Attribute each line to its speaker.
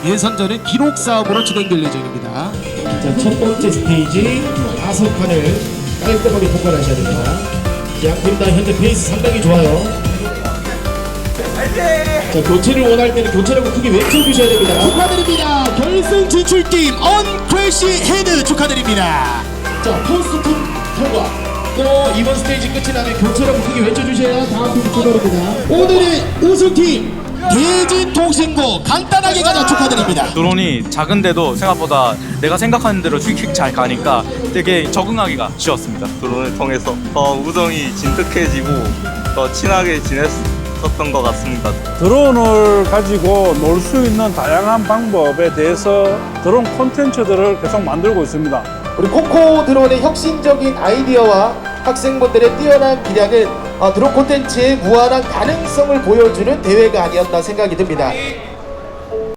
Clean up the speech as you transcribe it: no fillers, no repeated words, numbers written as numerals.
Speaker 1: 예선전은 기록 싸움으로 진행될 예정입니다.
Speaker 2: 자, 첫 번째 스테이지 5판을 깔끔하게 통과하셔야 됩니다. 양팀 다 현재 페이스 상당히 좋아요. 자, 교체를 원할 때는 교체라고 크게 외쳐주셔야 됩니다.
Speaker 1: 축하드립니다. 결승 진출팀 언크래시 헤드 축하드립니다.
Speaker 2: 자, 포스트 팀 통과. 또 이번 스테이지 끝이 나면 교체라고 크게 외쳐주셔야 다음 팀 출발입니다.
Speaker 1: 오늘의 우승팀 대진통신고 간단하게 가자 축하드립니다.
Speaker 3: 드론이 작은데도 생각보다 내가 생각하는 대로 휙휙 잘 가니까 되게 적응하기가 쉬웠습니다.
Speaker 4: 드론을 통해서 더 우정이 진득해지고 더 친하게 지냈었던 것 같습니다.
Speaker 5: 드론을 가지고 놀 수 있는 다양한 방법에 대해서 드론 콘텐츠들을 계속 만들고 있습니다.
Speaker 2: 우리 코코 드론의 혁신적인 아이디어와 학생분들의 뛰어난 기량은 드론 콘텐츠의 무한한 가능성을 보여주는 대회가 아니었나 생각이 듭니다.